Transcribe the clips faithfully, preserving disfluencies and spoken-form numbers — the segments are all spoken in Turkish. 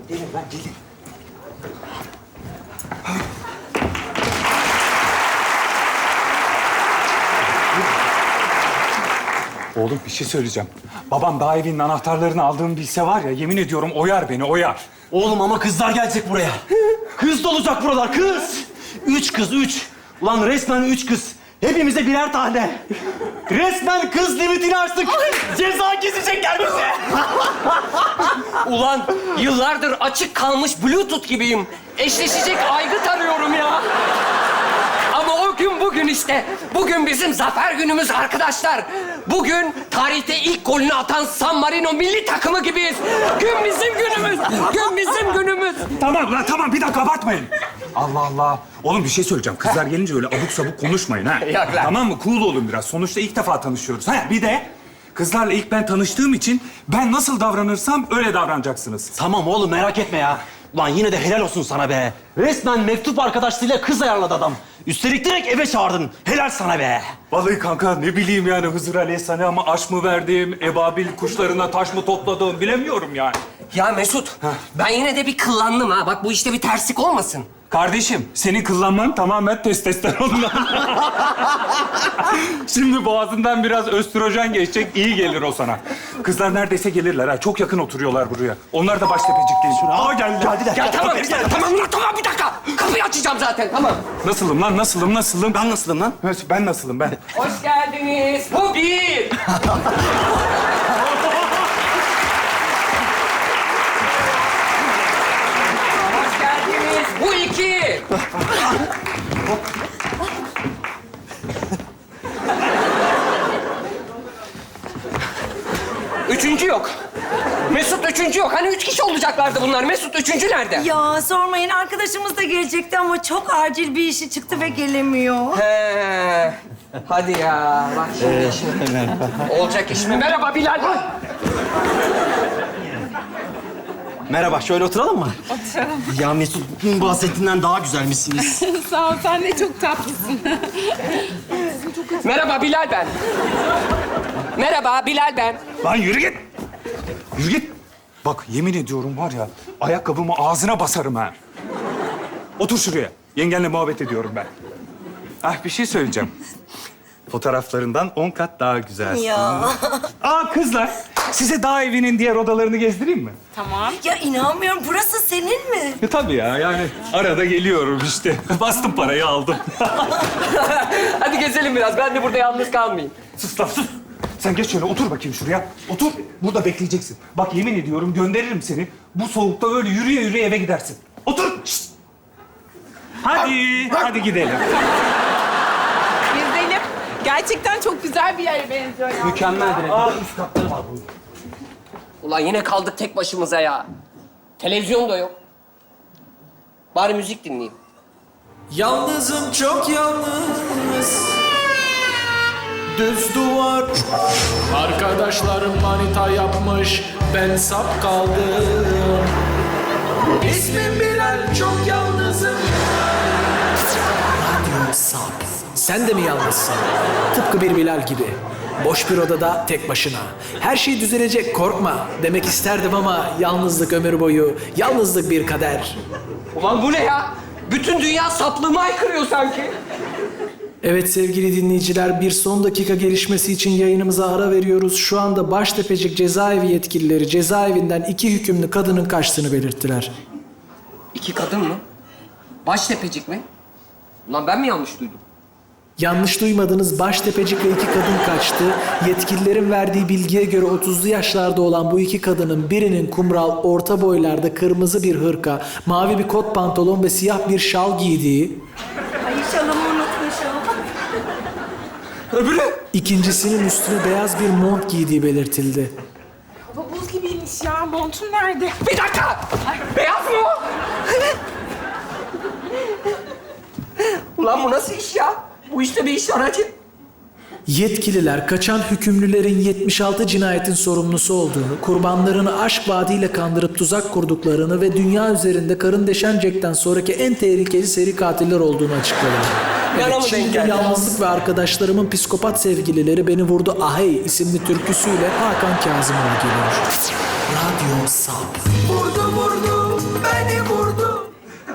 gelin lan gelin. Oğlum bir şey söyleyeceğim. Babam daha evinin anahtarlarını aldığımı bilse var ya, yemin ediyorum oyar beni, oyar. Oğlum ama kızlar gelecek buraya. Kız dolacak buralar, kız. Üç kız, üç. Ulan resmen üç kız. Hepimize birer tane. Resmen kız limitini açtık. Ceza kesecekler bize. Ulan yıllardır açık kalmış Bluetooth gibiyim. Eşleşecek aygıt arıyorum ya. Ama o gün bugün işte. Bugün bizim zafer günümüz arkadaşlar. Bugün tarihte ilk golünü atan San Marino milli takımı gibiyiz. Gün bizim günümüz. Gün bizim günümüz. Tamam lan tamam, bir dakika abartmayın. Allah Allah. Oğlum bir şey söyleyeceğim. Kızlar gelince öyle abuk sabuk konuşmayın ha. Yok lan. Tamam mı? Cool olun biraz. Sonuçta ilk defa tanışıyoruz. Ha bir de kızlarla ilk ben tanıştığım için ben nasıl davranırsam öyle davranacaksınız. Tamam oğlum merak etme ya. Ulan yine de helal olsun sana be. Resmen mektup arkadaşlığıyla kız ayarladı adam. Üstelik direkt eve çağırdın. Helal sana be. Vallahi kanka ne bileyim yani Hızır Aleyhisselam'a aş mı verdim, ebabil kuşlarına taş mı topladım bilemiyorum yani. Ya Mesut, ben yine de bir kıllandım ha. Bak bu işte bir terslik olmasın. Kardeşim, senin kıllanman tamamen testosterondan. Şimdi boğazından biraz östrojen geçecek, iyi gelir o sana. Kızlar neredeyse gelirler ha. Çok yakın oturuyorlar buraya. Onlar da Baştepecik genç. Aa geldiler. Geldiler. Ya tamam, bir dakika, tamam, lan, tamam bir dakika. Kapıyı açacağım zaten, tamam. Nasılım lan, nasılım, nasılım? Ben nasılım lan? Evet, ben nasılım ben? Hoş geldiniz. Bu bir. Hoş geldiniz. Bu iki. Üçüncü yok. Mesut üçüncü yok. Hani üç kişi olacaklardı bunlar. Mesut üçüncü nerede? Ya sormayın, arkadaşımız da gelecekti ama çok acil bir işi çıktı ve gelemiyor. He. Hadi ya. Bak şimdi şimdi. Olacak iş mi? Merhaba Bilal. Merhaba, şöyle oturalım mı? Oturalım. Ya Mesut, bahsettiğinden daha güzelmişsiniz. Sağ ol, sen de çok tatlısın. Merhaba Bilal ben. Merhaba Bilal ben. Lan yürü git. Yürü git. Bak yemin ediyorum var ya, ayakkabımı ağzına basarım ha. Otur şuraya. Yengenle muhabbet ediyorum ben. Ah bir şey söyleyeceğim. Fotoğraflarından on kat daha güzelsin. Ya. Aa kızlar, size dağ evinin diğer odalarını gezdireyim mi? Tamam. Ya inanmıyorum, burası senin mi? E, tabii ya, yani arada geliyorum işte. Bastım parayı aldım. Hadi gezelim biraz. Ben de burada yalnız kalmayayım. Sus lan sus. Sen geç şöyle otur bakayım şuraya. Otur. Burada bekleyeceksin. Bak yemin ediyorum gönderirim seni. Bu soğukta öyle yürüye yürüye eve gidersin. Otur. Şişt. Hadi. Hadi gidelim. Gezelim. Gerçekten çok güzel bir yere benziyor ya. Mükemmel bir Aa üst katları var bunun. Ulan yine kaldık tek başımıza ya. Televizyon da yok. Bari müzik dinleyeyim. Yalnızım çok yalnız. Düz duvar. Arkadaşlarım manita yapmış, ben sap kaldım. İsmim Bilal, çok yalnızım. Radyo sap. Sen de mi yalnızsın? Tıpkı bir Bilal gibi. Boş bir odada tek başına. Her şey düzelecek, korkma demek isterdim ama yalnızlık ömür boyu, yalnızlık bir kader. Ulan bu ne ya? Bütün dünya saplığıma aykırıyor sanki. Evet sevgili dinleyiciler, bir son dakika gelişmesi için yayınımıza ara veriyoruz. Şu anda Baştepecik cezaevi yetkilileri cezaevinden iki hükümlü kadının kaçtığını belirttiler. İki kadın mı? Baştepecik mi? Ulan ben mi yanlış duydum? Yanlış duymadınız, Baştepecik ve iki kadın kaçtı. Yetkililerin verdiği bilgiye göre otuzlu yaşlarda olan bu iki kadının birinin kumral, orta boylarda kırmızı bir hırka, mavi bir kot pantolon ve siyah bir şal giydiği... Ay şalımı unutmuşum. Öbürü? İkincisinin üstüne beyaz bir mont giydiği belirtildi. Hava buz gibiymiş ya. Montun nerede? Bir dakika! Beyaz mı o? Ulan bu nasıl iş ya? Bu işte bir iş aracı. Yetkililer kaçan hükümlülerin yetmiş altı cinayetin sorumlusu olduğunu, kurbanlarını aşk vaadiyle kandırıp tuzak kurduklarını ve dünya üzerinde Karın Deşen Jack'ten sonraki en tehlikeli seri katiller olduğunu açıkladılar. Bana Evet, mı denk şimdi geldi? Yalnızlık ve Arkadaşlarımın Psikopat Sevgilileri Beni Vurdu Ahey isimli türküsüyle Hakan Kazımoğlu geliyor. Radyo Sap. Vurdu vurdu beni vurdu.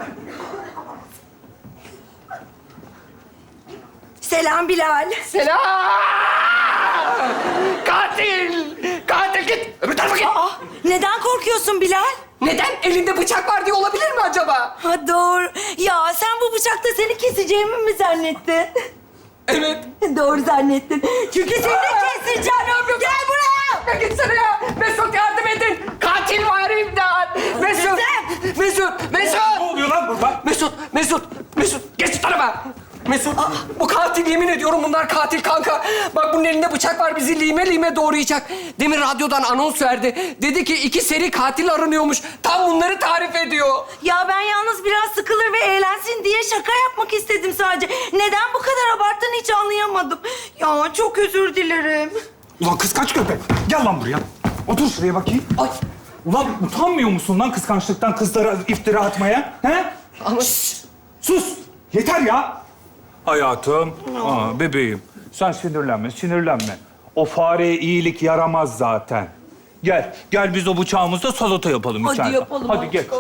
Selam Bilal. Selam! Katil! Katil git! Öbür tarafa git! Aa, neden korkuyorsun Bilal? Neden? Elinde bıçak var diye olabilir mi acaba? Ha doğru. Ya sen bu bıçakla seni keseceğimi mi zannettin? Evet. Doğru zannettin. Çünkü seni keseceğim. Gel buraya. Ya gitsene ya! Mesut yardım edin! Katil var imdat! Mesut! Mesut! Mesut! Ne oluyor lan burada? Mesut! Mesut! Mesut! Geç şu tarafa! Mesut! Bu katil, yemin ediyorum bunlar katil kanka. Bak bunun elinde bıçak var, bizi lime lime doğrayacak. Demin radyodan anons verdi. Dedi ki iki seri katil aranıyormuş. Tam bunları tarif ediyor. Ya ben yalnız biraz sıkılır ve eğlensin diye şaka yapmak istedim sadece. Neden bu kadar abarttığını hiç anlayamadım. Ya çok özür dilerim. Ulan kıskanç köpek. Gel lan buraya. Otur şuraya bakayım. Ay! Ulan utanmıyor musun lan kıskançlıktan kızlara iftira atmaya? He? Ama... Sus! Yeter ya! Hayatım, aa, bebeğim. Sen sinirlenme, sinirlenme. O fareye iyilik yaramaz zaten. Gel, gel biz o bıçağımızla salata yapalım Hadi içeride. yapalım. Hadi gel.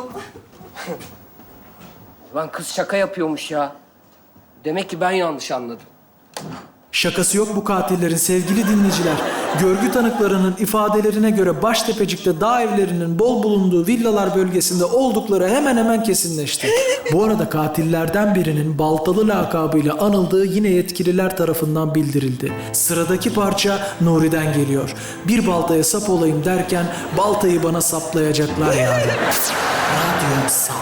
Lan kız şaka yapıyormuş ya. Demek ki ben yanlış anladım. Şakası yok bu katillerin sevgili dinleyiciler. Görgü tanıklarının ifadelerine göre Baştepecik'te dağ evlerinin bol bulunduğu villalar bölgesinde oldukları hemen hemen kesinleşti. Bu arada katillerden birinin Baltalı lakabıyla anıldığı yine yetkililer tarafından bildirildi. Sıradaki parça Nuri'den geliyor. Bir baltaya sap olayım derken baltayı bana saplayacaklar yani. Radyo sap.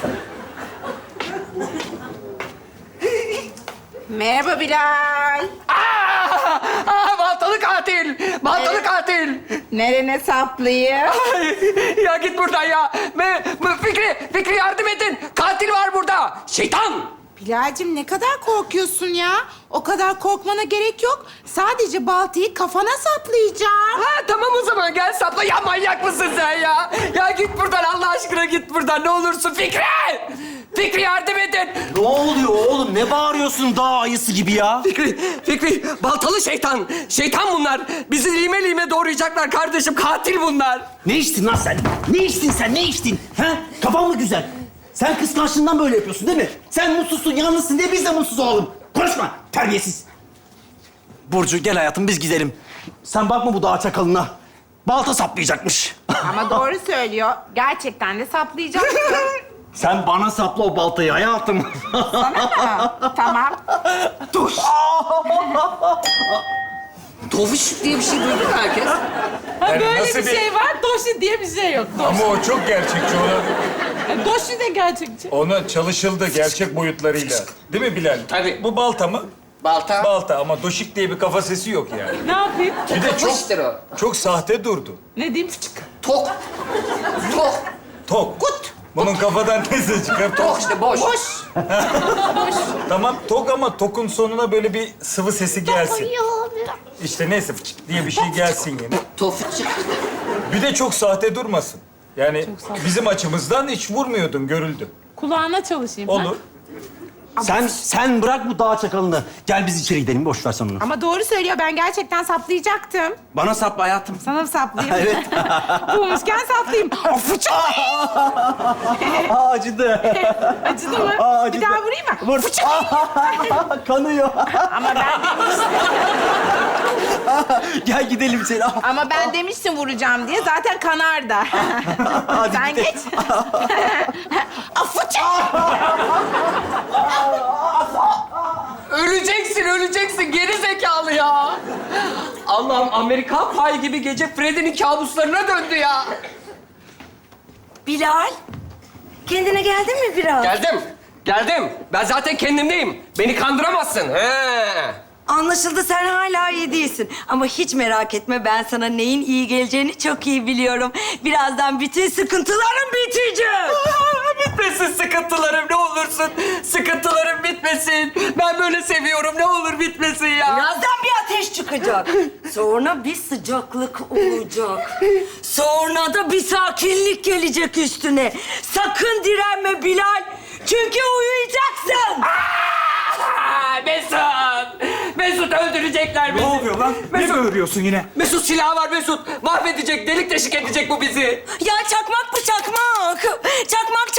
Merhaba Bilal. Aa! Aa, baltalı katil! Baltalı katil! Nerene saplayayım? Ay, ya git buradan ya! Me, me- Fikri, Fikri yardım edin! Katil var burada! Şeytan! Bilal'cim ne kadar korkuyorsun ya? O kadar korkmana gerek yok. Sadece baltayı kafana saplayacağım. Ha tamam o zaman gel sapla. Ya manyak mısın sen ya? Ya git buradan Allah aşkına git buradan ne olursun Fikri! Fikri yardım edin! Ne oluyor oğlum? Ne bağırıyorsun dağ ayısı gibi ya? Fikri, Fikri baltalı şeytan. Şeytan bunlar. Bizi lime lime doğrayacaklar kardeşim. Katil bunlar. Ne içtin lan sen? Ne içtin sen? Ne içtin? Ha? Kafan mı güzel? Sen kıskançlığından böyle yapıyorsun değil mi? Sen mutsuzsun, yalnızsın diye biz de mutsuz olalım. Konuşma, terbiyesiz. Burcu gel hayatım biz gidelim. Sen bakma bu dağ çakalına. Balta saplayacakmış. Ama doğru söylüyor. Gerçekten de saplayacağım. Sen bana sapla o baltayı hayatım. Sana mı? Tamam. Dur. Tofiş diye bir şey duydun mu herkes? Ha, böyle nasıl bir bir- şey var. Doşi diye bir şey yok. Doşi. Ama o çok gerçekçi. Ona, Doşi de gerçekçi. ona çalışıldı gerçek boyutlarıyla. Değil mi Bilal? Tabii. Bu balta mı? Balta. Balta ama doşik diye bir kafa sesi yok yani. Ne yapayım? Bir de çok Tofiştir o. çok sahte durdu. Ne diyeyim? Tok. Tok. Tok. Kut. Bunun kafadan ne ses çıkar? Tok Tok. işte boş. Boş. Boş. Tamam tok ama tokun sonuna böyle bir sıvı sesi gelsin. İşte neyse fıçık diye bir şey gelsin yine. Tofiş çıktı. Bir de çok sahte durmasın. Yani bizim açımızdan hiç vurmuyordun, görüldü. Kulağına çalışayım. Olur. Sen sen bırak bu dağ çakalını. Gel biz içeri gidelim. Boş ver sen onu. Ama doğru söylüyor. Ben gerçekten saplayacaktım. Bana sapla hayatım. Sana mı saplayayım? Evet. Bulmuşken saplayayım. Fıçı. Aa, acıdı. Acıdı mı? Aa, acıdı. Bir daha vurayım mı? Vur. Kanıyor. Ama ben Gel gidelim içeri. Ah, ama ben demiştim vuracağım diye. Zaten kanar da. hadi Sen gidelim. geç. Fıçı. Öleceksin, öleceksin. Geri zekalı ya. Allah'ım Amerikan Pie gibi gece Freddy'nin kabuslarına döndü ya. Bilal, kendine geldin mi biraz? Geldim, geldim. Ben zaten kendimdeyim. Beni kandıramazsın. He. Anlaşıldı sen hala iyi değilsin. Ama hiç merak etme ben sana neyin iyi geleceğini çok iyi biliyorum. Birazdan bütün sıkıntılarım bitecek. Bitmesin sıkıntılarım ne olursun. Sıkıntılarım bitmesin. Ben böyle seviyorum. Ne olur bitmesin ya. Birazdan bir ateş çıkacak. Sonra bir sıcaklık olacak. Sonra da bir sakinlik gelecek üstüne. Sakın direnme Bilal. Çünkü uyuyacaksın. Aa, Mesut! Mesut öldürecekler bizi. Ne oluyor lan? Ne Mesut, böğürüyorsun yine? Mesut silahı var Mesut. Mahvedecek, delik deşik edecek bu bizi. Ya çakmak bu çakmak. Çakmak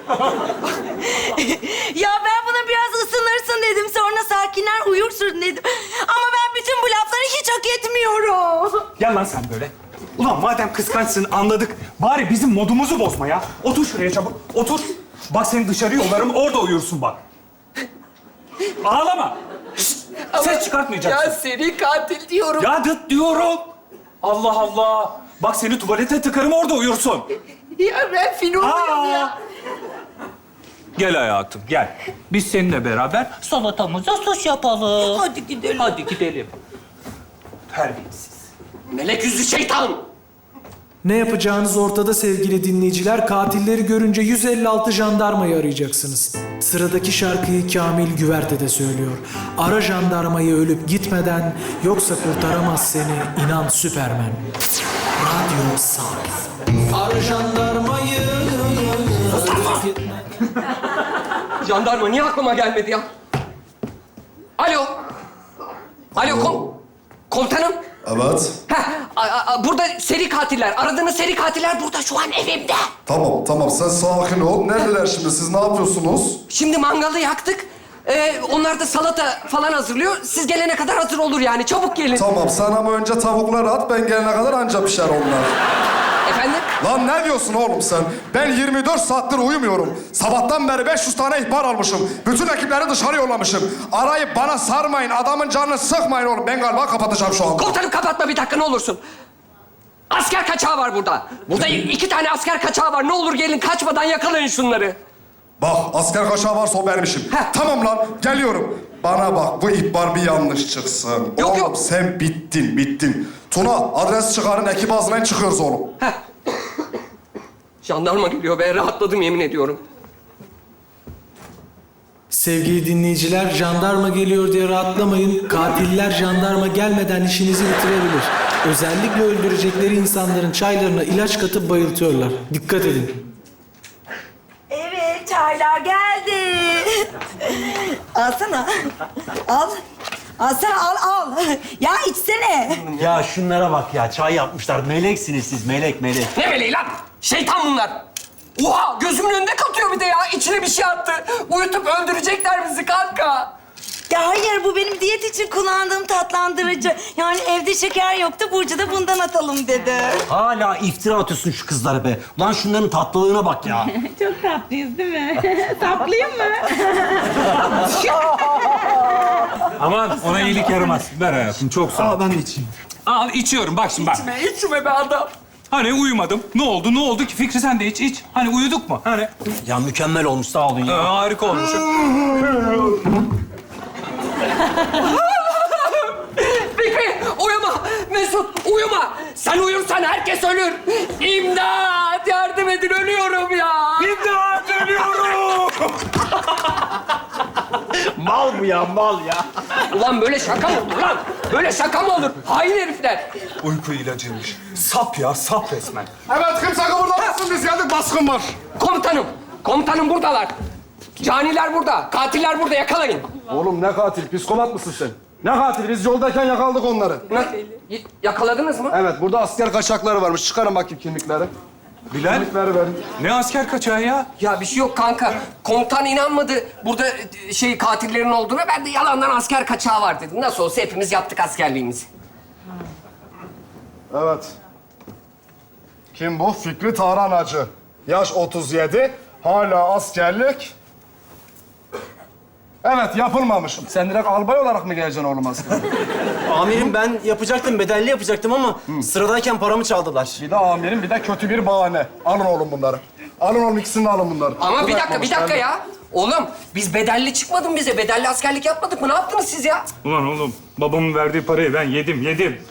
Ya ben buna biraz ısınırsın dedim. Sonra sakinler uyursun dedim. Ama ben bütün bu lafları hiç hak etmiyorum. Gel lan sen böyle. Ulan madem kıskançsın anladık. Bari bizim modumuzu bozma ya. Otur şuraya çabuk. Otur. Bak seni dışarı yollarım orada uyursun bak. Ağlama. Şşt, ses çıkartmayacaksın. Ya seri katil diyorum. Ya dıt diyorum. Allah Allah. Bak seni tuvalete tıkarım orada uyursun. Ya ben film oynuyorum ya. Gel hayatım gel. Biz seninle beraber salatamıza sos yapalım. Hadi gidelim. Hadi gidelim. Terbiyesiz. Melek yüzlü şeytan. Ne yapacağınız ortada sevgili dinleyiciler. Katilleri görünce yüz elli altı jandarmayı arayacaksınız. Sıradaki şarkıyı Kamil Güverte de söylüyor. Ara jandarmayı ölüp gitmeden, yoksa kurtaramaz seni inan Süpermen. Radyo Sağ. Ara jandarmayı ölüp gitmeden. Jandarma niye aklıma gelmedi ya? Alo. Alo kom... Komutanım. Evet. Heh, a- a- burada seri katiller. Aradığınız seri katiller burada şu an evimde. Tamam, tamam. Sen sakin ol. Neredeler şimdi? Siz ne yapıyorsunuz? Şimdi mangalı yaktık. Ee, onlar da salata falan hazırlıyor. Siz gelene kadar hazır olur yani. Çabuk gelin. Tamam, sen ama önce tavukları at. Ben gelene kadar anca pişer onlar. Efendim? Lan ne diyorsun oğlum sen? Ben yirmi dört saattir uyumuyorum. Sabahtan beri beş yüz tane ihbar almışım. Bütün ekipleri dışarı yollamışım. Arayıp bana sarmayın, adamın canını sıkmayın oğlum. Ben galiba kapatacağım şu anda. Komutanım kapatma bir dakika ne olursun. Asker kaçağı var burada. Burada iki tane asker kaçağı var. Ne olur gelin kaçmadan yakalayın şunları. Bak, asker kaçağı varsa o benim işim. Heh. Tamam lan, geliyorum. Bana bak, bu ihbar bir yanlış çıksın. Yok, oğlum yok. sen bittin, bittin. Tuna, adres çıkarın, ekip ağzından çıkıyoruz oğlum. Heh. Jandarma geliyor be. Rahatladım yemin ediyorum. Sevgili dinleyiciler, jandarma geliyor diye rahatlamayın. Katiller jandarma gelmeden işinizi bitirebilir. Özellikle öldürecekleri insanların çaylarına ilaç katıp bayıltıyorlar. Dikkat edin. Evet, çaylar geldi. Alsana. Al. Alsana, al, al. Ya içsene. Ya şunlara bak ya. Çay yapmışlar. Meleksiniz siz. Melek, melek. Ne meleği lan? Şeytan bunlar. Oha gözümün önünde katıyor bir de ya. İçine bir şey attı. Uyutup öldürecekler bizi kanka. Ya hayır, bu benim diyet için kullandığım tatlandırıcı. Yani evde şeker yoktu, Burcu da bundan atalım dedi. Hala iftira atıyorsun şu kızlara be. Ulan şunların tatlılığına bak ya. Çok tatlıyız değil mi? Saplayayım mı? Aman ona iyilik yaramaz. Ver hayatım çok sağ ol. Aa, ben de içeyim. Al içiyorum bak şimdi bak. İçme, içme be adam. Hani uyumadım. Ne oldu? Ne oldu ki? Fikri sen de iç iç. Hani uyuduk mu? Hani Ya mükemmel olmuş. Sağ olun Ee, ya. harika olmuş. Fikri uyuma. Mesut uyuma. Sen uyursan herkes ölür. İmdat yardım edin ölüyorum ya. İmdat ölüyorum. Mal bu ya, mal ya. Ulan böyle şaka mı olur lan? Böyle şaka mı olur? Hain herifler. Uyku ilacıymış. Sap ya sap resmen. Evet, kimse kıpırdamasın. Biz geldik, baskın var. Komutanım. Komutanım buradalar. Caniler burada. Katiller burada yakalayın. Oğlum ne katil? Psikopat mısın sen? Ne katil? Biz yoldayken yakaladık onları. Nasıl? Y- Yakaladınız mı? Evet, burada asker kaçakları varmış. Çıkarın bakayım kimlikleri. Bilal Kimlikleri verin. ne asker kaçağı ya? Ya bir şey yok kanka. Komutan inanmadı burada e, şey katillerin olduğuna. Ben de yalandan asker kaçağı var dedim. Nasıl olsa hepimiz yaptık askerliğimizi. Evet. Kim bu? Fikri Tahranacı. Yaş otuz yedi. Hala askerlik. Evet, yapılmamış. Sen direkt albay olarak mı geleceksin oğlum askere? Amirim ben yapacaktım, bedelli yapacaktım ama sıradayken paramı çaldılar. Bir de amirim, bir de kötü bir bahane. Alın oğlum bunları. Alın oğlum, ikisini de alın bunları. Ama bir dakika, bir Bırakmamış, dakika geldi. ya. Oğlum biz bedelli çıkmadın bize. Bedelli askerlik yapmadık mı? Ne yaptınız siz ya? Ulan oğlum babamın verdiği parayı ben yedim yedim.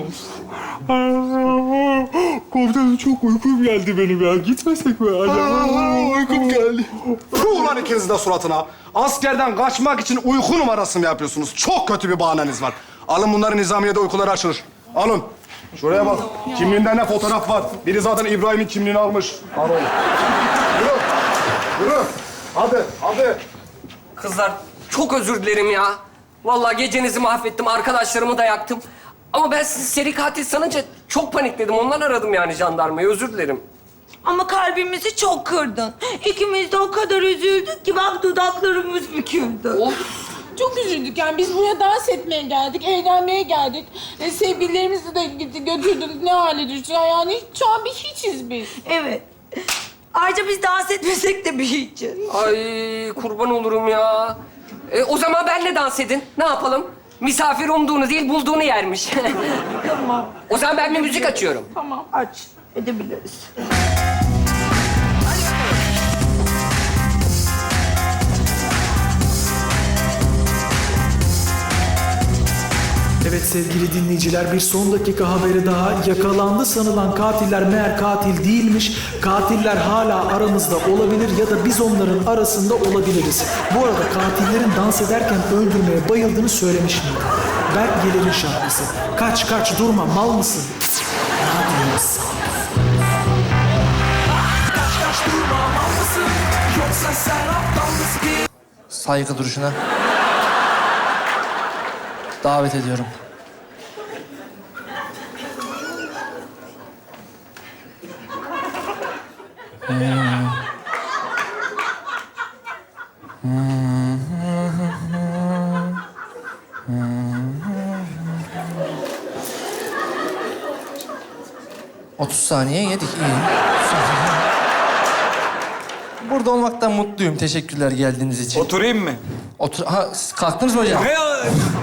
Komutanım çok uykum geldi benim ya. Gitmesek mi? Uykum geldi. Puh lan ikiniz de suratına. Askerden kaçmak için uyku numarası mı yapıyorsunuz? Çok kötü bir bahaneniz var. Alın bunları, nizamiyede uykuları açılır. Alın. Şuraya bak. Kimliğinde ne fotoğraf var? Biri zaten İbrahim'in kimliğini almış. Al oğlum. Yürü. Yürü. Hadi, hadi. Kızlar çok özür dilerim ya. Vallahi gecenizi mahvettim. Arkadaşlarımı da yaktım. Ama ben sizi seri katil sanınca çok panikledim. Ondan aradım yani jandarmayı. Özür dilerim. Ama kalbimizi çok kırdın. İkimiz de o kadar üzüldük ki bak dudaklarımız büküldü. Çok üzüldük yani. Biz buraya dans etmeye geldik, eğlenmeye geldik. E, sevgililerimizi de gitti, götürdük. Ne hale düştü yani. Şu an bir hiçiz biz. Evet. Ayrıca biz dans etmesek de bir hiçiz. Ay kurban olurum ya. E, o zaman benle dans edin. Ne yapalım? Misafir umduğunu değil bulduğunu yermiş. Tamam. O zaman ben bir müzik açıyorum. Tamam. Aç. Edebiliriz. Evet sevgili dinleyiciler, bir son dakika haberi daha. Yakalandı sanılan katiller meğer katil değilmiş. Katiller hala aramızda olabilir ya da biz onların arasında olabiliriz. Bu arada katillerin dans ederken öldürmeye bayıldığını söylemiş miydim? Berk Geler'in şarkısı. Kaç kaç durma, mal mısın? Ne diyorsun? Kaç kaç durma, mal mısın? Yoksa sen aptal mısın? Saygı duruşuna davet ediyorum. otuz saniye yedik, iyi. Burada olmaktan mutluyum. Teşekkürler geldiğiniz için. Oturayım mı? Otur ha, siz kalktınız mı hocam? Ne?